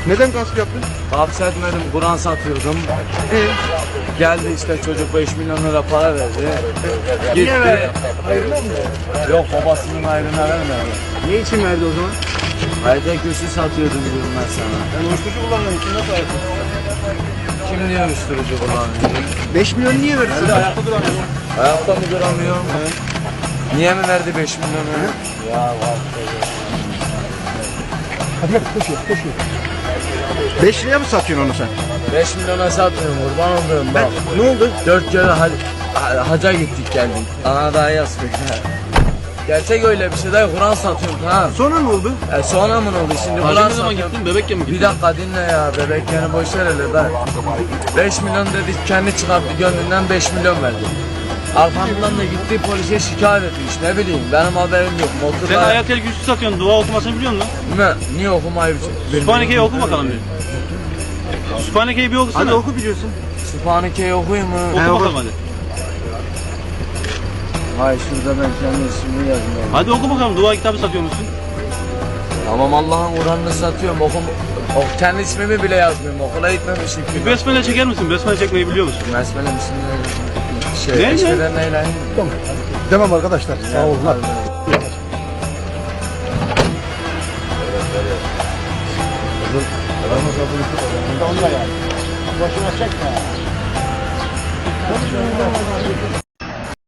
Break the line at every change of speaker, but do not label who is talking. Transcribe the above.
Neden gasp yaptın?
Hapsetmedim, Kur'an satıyordum. Geldi işte çocuk 5 milyon lira para verdi.
Niye verdi?
Hayırlı mı? Yok, babasının ayrına vermedi.
Ne için verdi o zaman?
Hayda kürsü satıyordum diyorum ben sana.
Ben uyuşturucu kullandığım için nasıl ayakta?
Kim diyor uyuşturucu kullanıyor?
5 milyon niye verdi? Sen de ayakta duramıyorsun.
Ayakta mı duramıyorum? Niye mi verdi 5 milyonu? Ya var.
Hadi gel koşuyor. 5 liraya mı satıyorsun onu sen?
5 milyona satmıyorum, kurban olduğum bak.
Ne oldu?
4 kere haca gittik geldik. Ana daha yazdık. Gerçek öyle bir şey değil, Kur'an satıyorum ha.
Sonra ne oldu?
Sonra mı oldu şimdi?
Hacı
Kur'an
ne zaman
satıyorum.
gittin? Bebekken mi gittin?
Bir dakika dinle ya, bebek yani boş ver hele da. 5 milyon dedi, kendi çıkarttı gönlünden 5 milyon verdi. Arkamdan da gitti polise şikayet etmiş, ne bileyim benim haberim yok.
Sen
Motorla
Ayatel güçlü satıyorsun. Dua okumasını biliyor musun?
niye okumayı
Sübhaneke'yi oku bakalım bir. Sübhaneke'yi bir okusana.
Hadi oku biliyorsun.
Sübhaneke'yi okuyayım mı?
Oku
oku.
bakalım hadi.
Hayır, şurada ben kendi ismimi yazmıyorum.
Hadi oku bakalım. Dua kitabı satıyor musun?
Tamam, Allah'ın Kur'an'ını satıyorum, kendi ismimi bile yazmıyorum, okula gitmemişim ki.
Bir besmele çeker misin? Besmele çekmeyi biliyor musun?
Besmele misin?
Ne?
Eşveren neyle?
Tamam arkadaşlar. Sağ olun. Boşuna çekme.